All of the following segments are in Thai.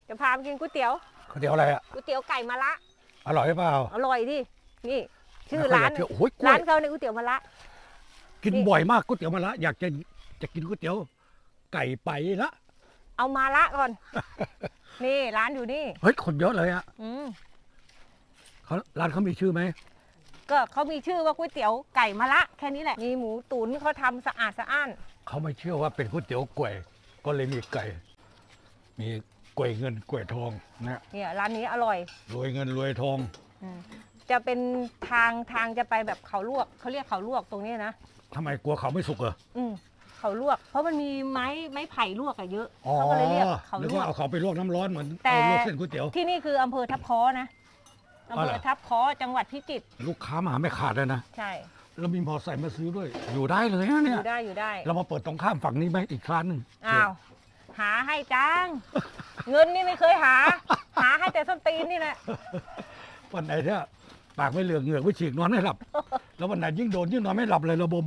จะพาไปกินก๋วยเตี๋ยวก๋วยเตี๋ยวอะไรอ่ะก๋วยเตี๋ยวไก่มะระอร่อยหรือเปล่าอร่อยดินี่ชื่อร้านไม่ค่อยอยากเชื่อโอ้ยกล้วยร้านเขาในก๋วยเตี๋ยวมะระกินนี่บ่อยมากก๋วยเตี๋ยวมะระอยากจะกินก๋วยเตี๋ยวไก่ไปละเอามาละก่อน นี่ร้านอยู่นี่เฮ้ยคนเยอะเลยอ่ะอืมร้านเขามีชื่อไหมก็เขามีชื่อว่าก๋วยเตี๋ยวไก่มะระแค่นี้แหละมีหมูตุ๋นเขาทำสะอาดสะอ้านเขาไม่เชื่อว่าเป็นก๋วยเตี๋ยวกล้วยก็เลยมีไก่ มีกล้วยเงินกล้วยทองนะเนี่ยร้านนี้อร่อยรวยเงินรวยทองอืมจะเป็นทางจะไปแบบเขาลวกเขาเรียกเขาลวกตรงนี้นะทำไมกลัวเขาไม่สุกเหรอเขาลวก เพราะมันมีไม้ไผ่ลวกอะเยอะอ๋อเขาก็เลยเรียกเขานึกลวว่าก เอาเขาไปลวกน้ำร้อนเหมือนแต่เอาลวกเส้นก๋วยเตี๋ยวที่นี่คืออำเภอทับค้อนะอำอ๋อเภเหรออทับค้อจังหวัดพิจิตรลูกค้ามาไม่ขาดเลยนะใช่แล้วมีมอไซค์มาซื้อด้วย อยู่ได้เลยนะอเนี่ยยู่ได้อยู่ได้เรามาเปิดตรงข้ามฝั่งนี้ไหมอีกร้านหนึ่งอ้าวหาให้จัง เงินนี่ไม่เคยหา หาให้แต่ส้นตีนนี่แหละวันไหนเนี่ยปากไม่เหลือกเหงือกไม่ฉีกนอนไม่หลับ แล้ววันไหนยิ่งโดนยิ่งนอนไม่หลับเลยระบม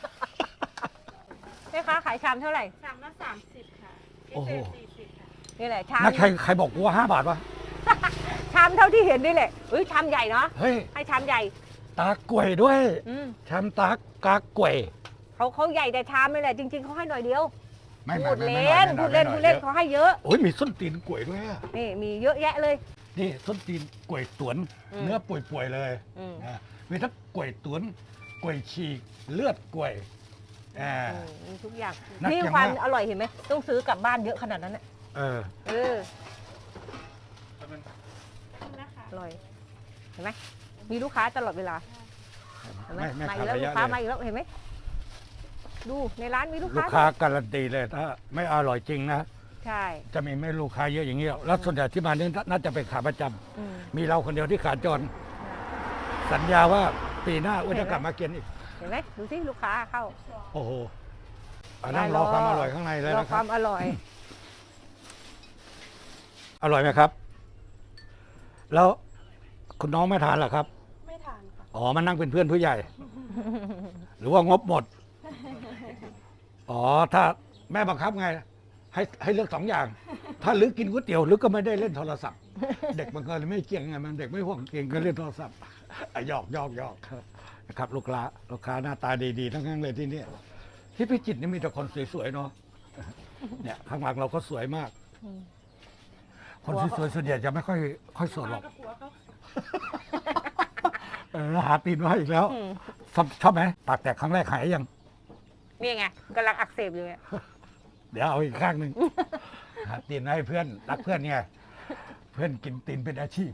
แม่ค้าขายชามเท่าไหร่ชามละ30 ค่ะพิโอ้เศโหษ40 ค่ะนี่แหละชามนักใครบอกว่า5 บาทวะชามเท่าที่เห็นนี่แหละเอ้ยชามใหญ่เนาะเฮ้ยให้ชามใหญ่ตากล้วยด้วยอืมชามตากากล้วยเขาใหญ่แต่ชามนี่แหละจริง ๆเขาให้หน่อยเดียวไม่พูดไม่เล่นพูดเล่นพูดเล่นเขาให้เยอะโอ้ยมีส้นตีนกล้วยด้วยอะนี่มีเยอะแยะเลยนี่ส้นตีนกล้วยตวนอืมเนื้อป่วยๆเลยอืมอ่ามีทั้งกล้วยตวนกล้วยฉีกเลือดกล้วยอ่ามีทุกอย่างน่านี่กินความมากอร่อยเห็นไหมต้องซื้อกลับบ้านเยอะขนาดนั้นน่ะเออเออนะคะอร่อยเห็นไหมมีลูกค้าตลอดเวลาเห็นไหมไม่มาขาอีดกแล้วระลูกค้ามายะเลยอีกแล้วเห็นไหมดูในร้านมีลูกลูกค้าค้าการันตีเลยถ้าไม่อร่อยจริงนะใช่จะมีไม่ลูกค้าเยอะอย่างเงี้ยแล้วส่วนใหญ่ที่มาเนี่ยน่าจะเป็นขาประจำอืมมีเราคนเดียวที่ขาจร สัญญาว่าปีหน้าอ้วนจะกลับมากินอีกเห็นไหมดูสิลูกค้าเข้าโอ้โหอันนั้นรอความอร่อยข้างในเลยรอนะคครัวาบมอร่อยอร่อยไหมครับ แล้วคุณน้องไม่ทานเหรอครับไม่ทานค่ะอ๋อมานั่งเป็นเพื่อนผู้ใหญ่ หรือว่างบหมด อ๋อ ถ้าแม่บังคับไง ให้เลือก2 อย่าง ถ้าลึกกินก๋วยเตี๋ยวลึกก็ไม่ได้เล่นโทรศัพท์ เด็กมันก็เลยไม่เก่งไงมันเด็กไม่ห่วงเก่งก็เล่นโทรศัพท์อ่ะหยอกนะครับลูกค้าหน้าตาดีๆทั้งนั้นเลยที่เนี่ยที่พิจิตรนี่มีแต่คนสวยๆเนาะเนี่ยข้างหลังเราก็สวยมากอืมคนสวยๆส่วนใหญ่จะไม่ค่อยสวยหรอกกับผัวเขาหาตีนมาให้อีกแล้วอืมชอบไหมปากแตกครั้งแรกหายยังนี่ไงกำลังอักเสบอยู่ไงเดี๋ยวเอาอีกข้างหนึ่งหาตีนมาให้เพื่อนรักเพื่อนไงเพื่อนกินตีนเป็นอาชีพ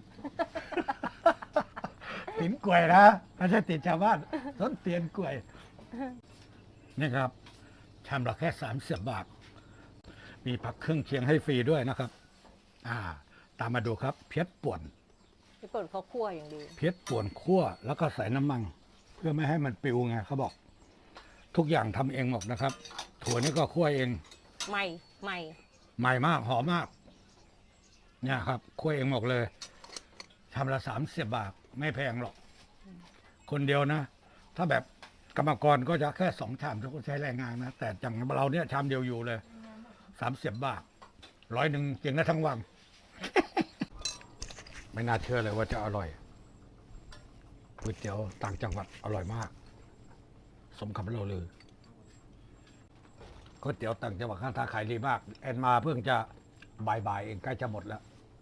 ตีนกล้วยนะไม่ใช่ตีนชาวบ้านต้นเตียนกล้วยนี่ครับชามละแค่30 บาท มีผักเครื่องเคียงให้ฟรีด้วยนะครับ ตามมาดูครับ เพี้ยป่วนพี่เปิดเขาคั่วอย่างดีเพี้ยป่วนคั่วแล้วก็ใส่น้ำมัน เพื่อไม่ให้มันปลิวไงเขาบอก ทุกอย่างทำเองหมดนะครับ ถั่วนี่ก็คั่วเองใหม่ใหม่มากหอมมาก เนี่ยครับคั่วเองหมดเลยชามละ30 บาท ไม่แพงหรอก คนเดียวนะ ถ้าแบบกรรมกรก็จะแค่2 ชามทุกคนใช้แรงงานนะ แต่อย่างเราเนี่ยชามเดียวอยู่เลย30 บาท100กินได้ทั้งวัน ไม่น่าเชื่อเลยว่าจะอร่อยก๋วยเตี๋ยวต่างจังหวัดอร่อยมาก สมคำเราเลยก๋วยเตี๋ยวต่างจังหวัดข้างทางขายดีมากแอนมาเพิ่งจะบ่ายเองใกล้จะหมดแล้ว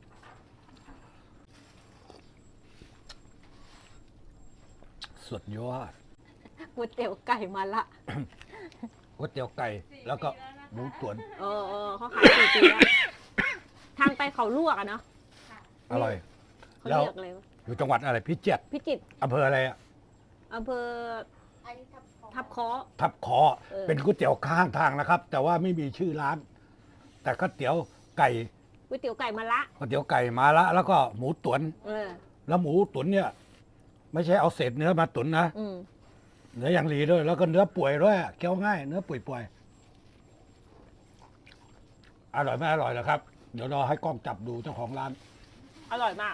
สุดยอดก๋วยเตี๋ยวไก่มาละก๋วยเตี๋ยวไก่แล้วก็หมูตุ๋นเออเขาขาย4 ปีแล้วทางไปเขาลวกอะเนาะอร่อยเขาแล้วเรียกอะไรวะอยู่จังหวัดอะไรพิจิตรพิจิตรอำเภออะไรอะอำเภออันนี้ทับคอทับค้อทับคอเออเป็นก๋วยเตี๋ยวข้างทางนะครับ แต่ว่าไม่มีชื่อร้าน แต่ก๋วยเตี๋ยวไก่ก๋วยเตี๋ยวไก่มาละก๋วยเตี๋ยวไก่มาละแล้วก็หมูตุ๋นเออแล้วหมูตุ๋นเนี่ย ไม่ใช่เอาเศษเนื้อมาตุ๋นนะอืมเนื้ออย่างดีด้วย แล้วก็เนื้อป่วยด้วยเคี้ยวง่ายเนื้อป่วยๆอร่อยไม่อร่อยเหรอครับ เดี๋ยวรอให้กล้องจับดูเจ้าของร้านอร่อยมาก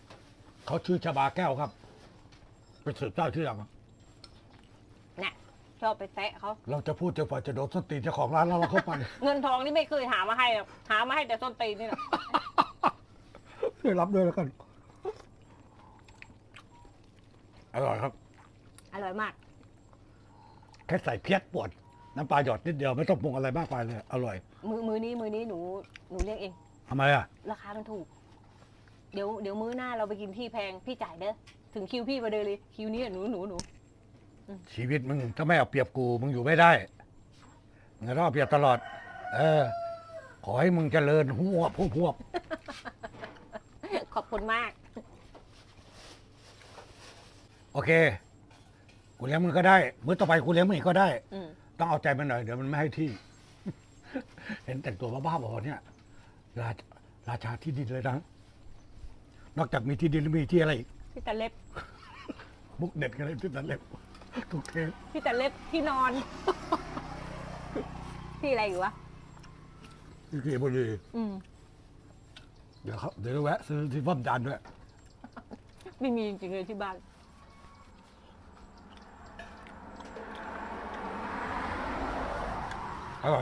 เขาชื่อชบาแก้วครับไปสืบเจ้าชื่อยังเนี่ยชอบไปแซะเขาเราจะพูดจนกว่าจะโดนส้นตีนเจ้าของร้านแล้วเราเข้าไปเงินทองนี่ไม่เคยหามาให้หรอกหามาให้แต่ส้นตีนนี่แหละช่วยรับด้วยแล้วกัน อร่อยครับอร่อยมากแค่ใส่เพี้ยปวด น้ำปลาหยอดนิดเดียวไม่ต้องปรุงอะไรมากไปเลย อร่อยมือนี้หนูเลี้ยงเองทำไมอ่ะราคามันถูก เดี๋ยวมื้อหน้าเราไปกินที่แพงพี่จ่ายเด้อถึงคิวพี่มาเดินเลยคิวนี้หนูชีวิตมึงถ้าไม่เอาเปรียบกูมึงอยู่ไม่ได้มึงจะต้องเอาเปรียบตลอด เออ ขอให้มึงเจริญหัวพวบขอบคุณมากโอเค กูเลี้ยงมึงก็ได้ มื้อต่อไปกูเลี้ยงมึงอีกก็ได้อืมต้องเอาใจมันหน่อยเดี๋ยวมันไม่ให้ที่ เห็นแต่งตัวบ้าๆบอๆเนี่ย ราชาที่ดินเลยนะ นอกจากมีที่ดินแล้วมีที่อะไรอีกพี่ตะเล็บมุกเด็ดกันเลยที่นั่นเล็บทุกเทปพี่ตะเล็บที่นอน พี่อะไรอยู่วะที่เกียบุรีอืมเดี๋ยวแวะซื้อที่ฟ้อมจานด้วยไม่มีจริงๆเลยที่บ้านอร่อย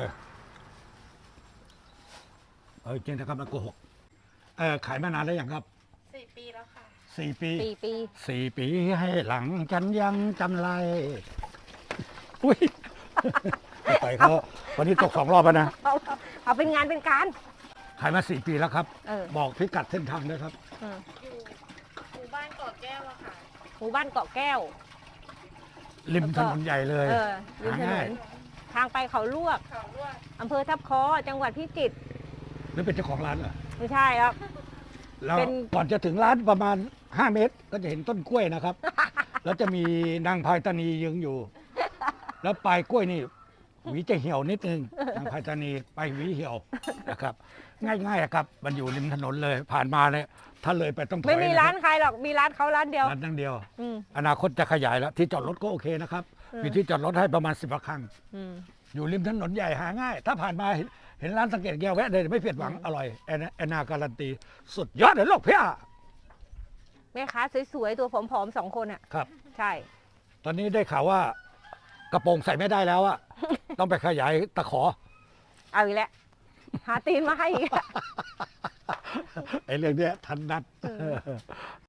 จริงนะครับมันโกหกขายมานานแล้วยังครับ 4 ปีแล้วค่ะ 4 ปี 4 ปี 4 ปีให้หลังฉันยังจำไรอุ้ยไปเขาวันนี้ตก2 รอบแล้วนะเอาเป็นงานเป็นการขายมา4 ปีแล้วครับเออบอกพิกัดเส้นทางด้วยครับอืมอยู่หมู่บ้านเกาะแก้วอะค่ะหมู่บ้านเกาะแก้วริมถนนใหญ่เลยเออริมถนง่ายนทางไปเขาลวกเขาลวกอำเภอทับคอจังหวัดพิจิตรหรือเป็นเจ้าของร้านเหรอไม่ใช่ครับแล้วเป็นก่อนจะถึงร้านประมาณ 5 เมตร ก็จะเห็นต้นกล้วยนะครับ แล้วจะมีนางพายตานียืนอยู่ แล้วปลายกล้วยนี่หวีจะเหี่ยวนิดนึงนางพายตานีไปหวีเหี่ยวนะครับ ง่ายๆอะครับ มันอยู่ริมถนนเลย ผ่านมาเลยถ้าเลยไปต้องถอยไม่มีร้านะคใครหรอกมีร้านเขาร้านเดียวบร้านนั่งเดียวอืมอนาคตจะขยายแล้ว ที่จอดรถก็โอเคนะครับ มีที่จอดรถให้ประมาณ10 กว่าคันอืมอยู่ริมถนนใหญ่หาง่าย ถ้าผ่านมาเห็นร้านสังเกตแก้วแวะเลยไม่ผิดหวังอร่อยแอนนาการันตี สุดยอดเลยโลกเพี้ยแม่ค้าสวยๆ ตัวผอมๆ2 คนอ่ะครับใช่ตอนนี้ได้ข่าวว่ากระโปรงใส่ไม่ได้แล้วอะ ต้องไปขยายตะขอเอาอีกแล้วหาตีนมาให้อีกแล้วไอ้เรื่องเนี้ยทันนัด